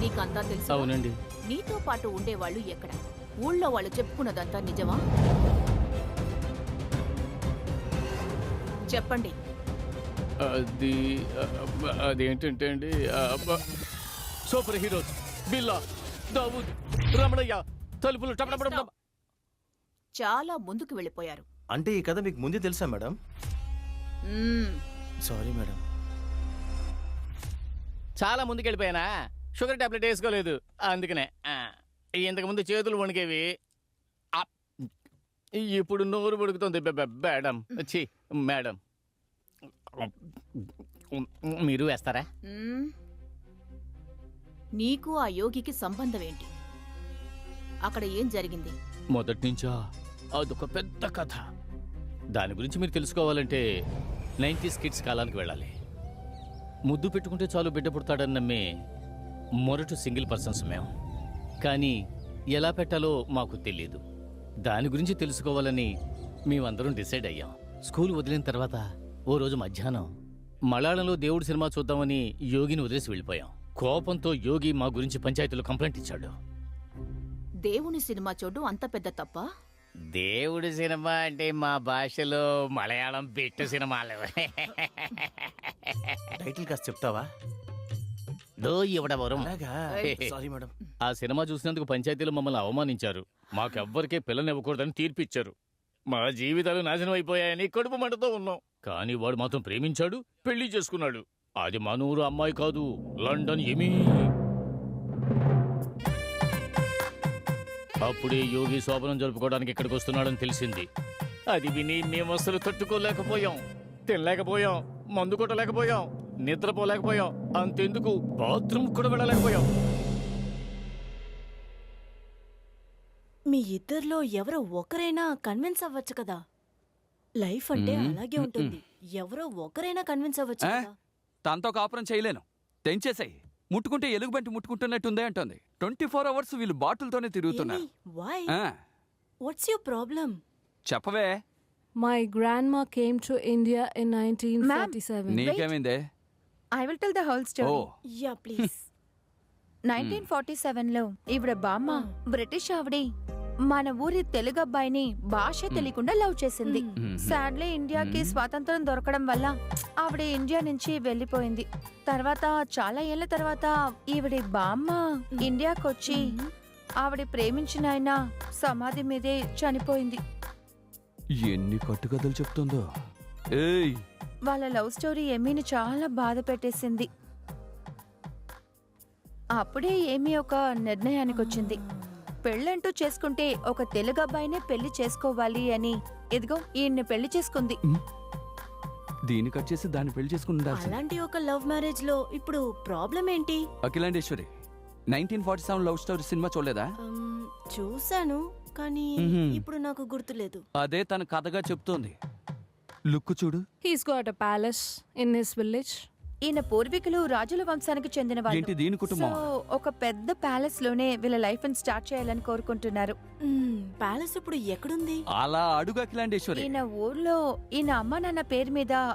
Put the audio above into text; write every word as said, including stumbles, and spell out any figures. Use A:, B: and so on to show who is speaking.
A: నీకంతా తెలుసు.
B: అవునండి.
A: నీతో పాటు ఉండేవాళ్ళు ఎక్కడ? ఊళ్ళో వాళ్ళు చెప్పుకున్నదంతా నిజమా? చెప్పండి.
B: అది అదేంటంటే అండి, సూపర్ హీరోస్ బిల్లా, దావూద్, రమణయ్య, తలుపులు టపటపటపట.
A: చాలా ముందుకు వెళ్ళిపోయారు.
C: అంటే ఈ కథ మీకు ముందే తెలుసా మేడం?
A: మ్మ్.
C: Sorry madam.
B: చాలా ముందుకు వెళ్ళిపోయానా? షుగర్ టాబ్లెట్ వేసుకోలేదు అందుకనే. ఇంతకు ముందు చేతులు వణికేవి, ఇప్పుడు నోరు వణుకుతుంది. మేడం ఛీ మేడం, మీరు వేస్తారా?
A: మ్మ్. నీకు ఆ యోగికి సంబంధం ఏంటి? అక్కడ ఏం జరిగింది?
B: మొదటి నుంచా అదొక పెద్ద కథ. దాని గురించి మీరు తెలుసుకోవాలంటే నైంటీస్ కిడ్స్ కాలానికి వెళ్ళాలి. ముద్దు పెట్టుకుంటే చాలు బిడ్డ పుడతాడని నమ్మే మొరటు సింగిల్ పర్సన్స్ మేము. కానీ ఎలా పెట్టాలో మాకు తెలియదు. దాని గురించి తెలుసుకోవాలని మేమందరం డిసైడ్ అయ్యాం. స్కూల్ వదిలిన తర్వాత ఓ రోజు మధ్యాహ్నం మలయాళంలో దేవుడి సినిమా చూద్దామని యోగిని వదిలేసి వెళ్ళిపోయాం. కోపంతో యోగి మా గురించి పంచాయతీలో కంప్లైంట్ ఇచ్చాడు.
A: దేవుని సినిమా చూడు అంత పెద్ద తప్ప?
B: దేవుడి సినిమా అంటే మా భాషలో మలయాళం బిట్టు సినిమాలు.
C: టైటిల్ కాస్త చెప్తావా? Sorry madam.
B: ఆ సినిమా చూసినందుకు పంచాయతీలో మమ్మల్ని అవమానించారు. మాకెవ్వరికే పిల్లనివ్వకూడదని తీర్పిచ్చారు. మా జీవితాలు నాశనం అయిపోయాయని కడుపు మంటతో ఉన్నాం. కానీ వాడు మాత్రం ప్రేమించాడు, పెళ్లి చేసుకున్నాడు. అది మనూరు అమ్మాయి కాదు, లండన్ ఎమీ. అప్పుడే యోగి శోభనం జరుపుకోవడానికి ఇక్కడికి వస్తున్నాడని తెలిసింది. అది విని మేము అసలు తట్టుకోలేకపోయాం, తినలేకపోయాం, మందు కొట్టలేకపోయాం, నిద్రపోలేకపోయాం, అంతెందుకు బాత్రూమ్ కూడా వెళ్ళలేకపోయాం.
D: మీ ఇద్దరిలో ఎవరో ఒకరైనా కన్విన్స్ అవ్వచ్చు కదా. లైఫ్ అంటే అలాగే ఉంటుంది. ఎవరో ఒకరైనా కన్విన్స్ అవ్వచ్చు కదా.
E: తనతో కాపురం చేయలేను, తెంచేసాయి. ముట్టుకుంటే ఎలుగుబంటి ముట్టుకుంటున్నట్టుందే అంటుంది. ట్వంటీ ఫోర్ అవర్స్ వీళ్ళు బాటిల్తోనే తిరుగుతున్నారు.
D: What's your problem?
E: చెప్పవే.
F: My grandma came to India in nineteen forty-seven.
E: నీకేమైందే?
G: I will tell the whole story.
E: Oh.
D: Yeah, please.
G: Nineteen forty seven లో ఈవిడ బామ్మ బ్రిటిష్ ఆవిడ మన ఊరి తెలుగు అబ్బాయిని భాష తెలియకుండా లవ్ చేసింది. సాడ్లీ ఇండియాకి స్వాతంత్రం దొరకడం వల్ల ఆవిడ ఇండియా నుంచి వెళ్లిపోయింది. తర్వాత చాలా ఏళ్ల తర్వాత ఈవిడ బామ్మ ఇండియాకొచ్చి ఆవిడ ప్రేమించిన ఆయన సమాధి మీదే చనిపోయింది.
E: ఎన్ని కట్టుకథలు చెప్తుందో. ఏయ్,
G: వాళ్ళ లవ్ స్టోరీ ఎమీని చాలా బాధ పెట్టేసింది. అప్పుడే ఏమీ ఒక నిర్ణయానికి వచ్చింది. పెళ్ళంటూ చేసుకుంటే ఒక తెలుగు అబ్బాయినే పెళ్లి చేసుకోవాలి అని. ఇదిగో ఈయన్ని పెళ్లి చేసుకుంది.
E: దీన్ని కట్ చేసి దాన్ని పెళ్లి చేసుకుంటా.
D: అలాంటి ఒక లవ్ మ్యారేజ్ లో ఇప్పుడు ప్రాబ్లం ఏంటి?
E: Akhilandeshwari, nineteen forty seven love story సినిమా చూడలేదా?
D: చూశాను, కానీ ఇప్పుడు నాకు గుర్తులేదు.
E: అదే తన కథగా చెప్తోంది. లుక్ చూడు.
F: He's got a palace in his village.
G: ఈయన పూర్వీకులు రాజుల వంశానికి చెందిన వాళ్ళు.
E: దీని కుటుంబం
G: ఒక పెద్ద ప్యాలెస్ లోనే వీళ్ళ లైఫ్ ని స్టార్ట్ చేయాలని కోరుకుంటున్నారు.
D: ప్యాలెస్ ఇప్పుడు ఎక్కడుంది?
E: అలా అడుగు అఖిలాండేశ్వరి.
G: ఈయన ఊర్లో ఈయన అమ్మ నాన్న పేరు మీద